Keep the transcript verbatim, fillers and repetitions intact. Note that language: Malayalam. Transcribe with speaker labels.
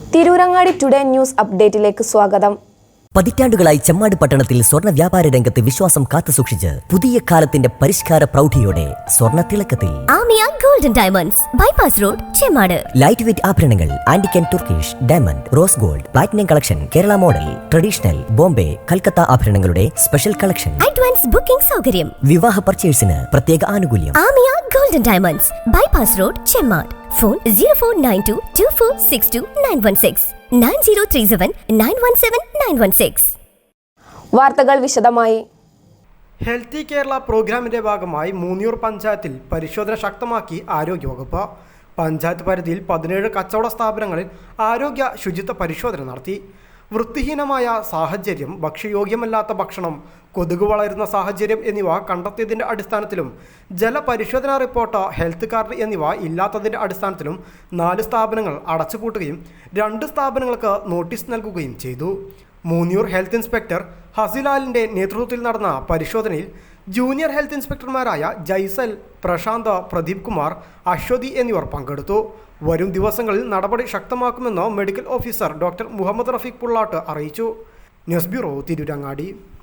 Speaker 1: തിരൂരങ്ങാടി ടുഡേ ന്യൂസ് അപ്ഡേറ്റിലേക്ക് സ്വാഗതം.
Speaker 2: പതിറ്റാണ്ടുകളായി ചെമ്മാട് പട്ടണത്തിൽ സ്വർണ്ണ വ്യാപാര രംഗത്ത് വിശ്വാസം കാത്തുസൂക്ഷിച്ച് പുതിയ കാലത്തിന്റെ പരിഷ്കാര പ്രൗഢിയോടെ സ്വർണ്ണ തിളക്കത്തിൽ
Speaker 3: Amiya golden diamonds bypass road Chemmad.
Speaker 2: Light weight ആഭരണങ്ങൾ, antique and Turkish, diamond, rose gold, platinum collection, Kerala model, traditional, Bombay, Calcutta ആഭരണങ്ങളുടെ സ്പെഷ്യൽ കളക്ഷൻ,
Speaker 3: അഡ്വാൻസ് ബുക്കിംഗ് സൗകര്യം,
Speaker 2: വിവാഹ പർച്ചേസിന് പ്രത്യേക ആനുകൂല്യം.
Speaker 3: Amiya golden diamonds bypass road Chemmad. Phone zero four nine two two four six two nine one six nine zero three seven nine one seven nine one six.
Speaker 1: വാർത്തകൾ വിശദമായി.
Speaker 4: ഹെൽത്തി കേരള പ്രോഗ്രാമിന്റെ ഭാഗമായി മൂന്നിയൂർ പഞ്ചായത്തിൽ പരിശോധന ശക്തമാക്കി ആരോഗ്യവകുപ്പ്. പഞ്ചായത്ത് പരിധിയിൽ പതിനേഴ് കച്ചവട സ്ഥാപനങ്ങളിൽ ആരോഗ്യ ശുചിത്വ പരിശോധന നടത്തി. വൃത്തിഹീനമായ സാഹചര്യം, ഭക്ഷ്യയോഗ്യമല്ലാത്ത ഭക്ഷണം, കൊതുക് വളരുന്ന സാഹചര്യം എന്നിവ കണ്ടെത്തിയതിൻ്റെ അടിസ്ഥാനത്തിലും ജലപരിശോധനാ റിപ്പോർട്ട്, ഹെൽത്ത് കാർഡ് എന്നിവ ഇല്ലാത്തതിൻ്റെ അടിസ്ഥാനത്തിലും നാല് സ്ഥാപനങ്ങൾ അടച്ചുപൂട്ടുകയും രണ്ട് സ്ഥാപനങ്ങൾക്ക് നോട്ടീസ് നൽകുകയും ചെയ്തു. മൂന്നിയൂർ ഹെൽത്ത് ഇൻസ്പെക്ടർ ഹസിലാലിൻ്റെ നേതൃത്വത്തിൽ നടന്ന പരിശോധനയിൽ ജൂനിയർ ഹെൽത്ത് ഇൻസ്പെക്ടർമാരായ ജയ്സൽ, പ്രശാന്ത്, പ്രദീപ് കുമാർ, അശ്വതി എന്നിവർ പങ്കെടുത്തു. വരും ദിവസങ്ങളിൽ നടപടി ശക്തമാക്കുമെന്ന് medical officer doctor Muhammad Rafeeq Pullat അറിയിച്ചു. News bureau, Tirurangadi.